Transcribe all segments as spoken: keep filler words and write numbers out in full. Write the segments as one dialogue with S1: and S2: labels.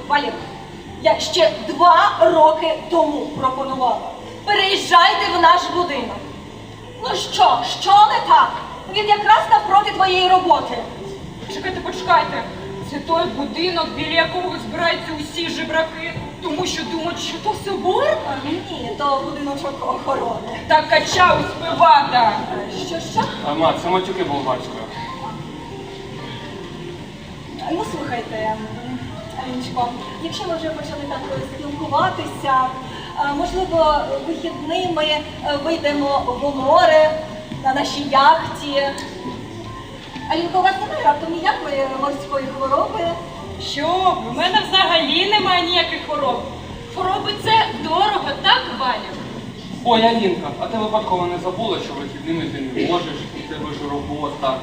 S1: Валік, я ще два роки тому пропонувала. Переїжджайте в наш будинок. Ну що, що не так? Він якраз навпроти твоєї роботи.
S2: Чекайте, почекайте. Це той будинок, біля якого збираються усі жебраки, тому що думають, що то собор?
S1: А, ні, то будиночок охорони.
S2: Та кача успівата.
S1: Що, що?
S3: А, ма, це матюки болгарською.
S1: Ну, слухайте, Аліночко, якщо ми вже почали так спілкуватися, а, можливо, вихідними е, вийдемо в море на нашій яхті. Алінко, у вас немає раптом ніякої морської хвороби?
S2: Що ви? У мене взагалі немає ніяких хвороб. Хвороби це дорого, так, Валю?
S3: Ой, Алінка, а ти випадково не забула, що вихідними ти не можеш, у тебе ж робота.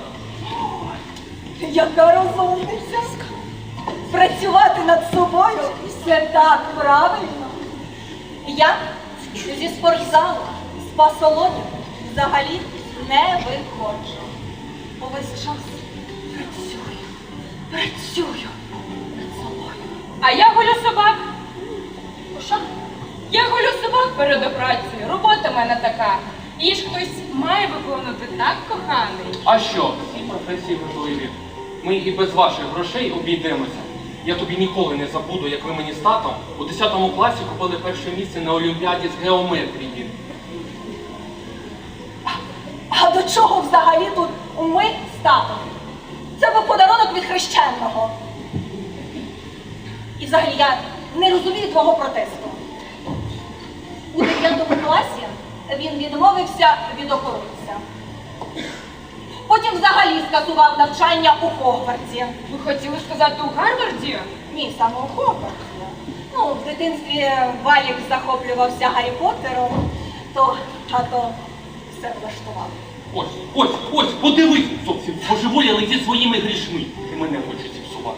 S1: Яка розумниця! Працювати над собою – це так правильно. Я зі спортзалу, з пасалонів взагалі не виходжу. Увесь час працюю, працюю над собою.
S2: А я голю собак.
S1: Що?
S2: Я голю собак перед операцією. Робота в мене така. Її ж хтось має виконувати, так, коханий?
S3: А що? Всі професії важливі. Ми і без ваших грошей обійдемося. Я тобі ніколи не забуду, як ви мені з татом у десятому класі купили перше місце на Олімпіаді з геометрії.
S1: А до чого взагалі тут ми з татом? Це був подарунок від хрещеного. І взагалі я не розумію твого протесту. У дев'ятому класі він відмовився від охоронця. Потім взагалі скасував навчання у Хогвартсі.
S2: Ви хотіли сказати у Гарварді?
S1: Ні, саме у Хогвартсі. Ну, в дитинстві Валік захоплювався Гаррі Поттером, то тато все влаштував.
S3: Ось, ось, ось, подивись, зовсім божеволіли зі своїми грішми. І мене хочуть зіпсувати.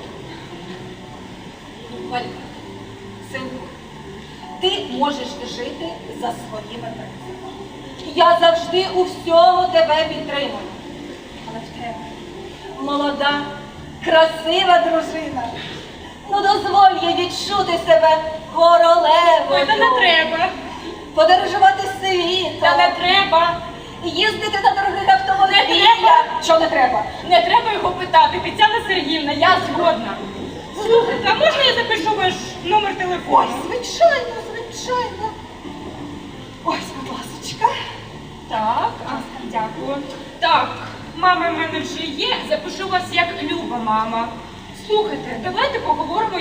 S1: Валік, синку, ти можеш жити за своїми принципами. Я завжди у всьому тебе підтримую. Але в тебе молода, красива дружина. Ну дозволь їй відчути себе королевою.
S2: Ой, та не треба.
S1: Подорожувати світом.
S2: Та не треба.
S1: Їздити на дорогих автомобілях.
S2: Не треба.
S1: Що не треба?
S2: Не треба його питати. Тетяна Сергіївна, я згодна. Слухайте, а можна я запишу ваш номер
S1: Ой,
S2: телефону?
S1: звичайно, звичайно. Ось, будь ласочка.
S2: Так, а, дякую. Так, мама в мене вже є, запишу вас як Люба мама. Слухайте, давайте поговоримо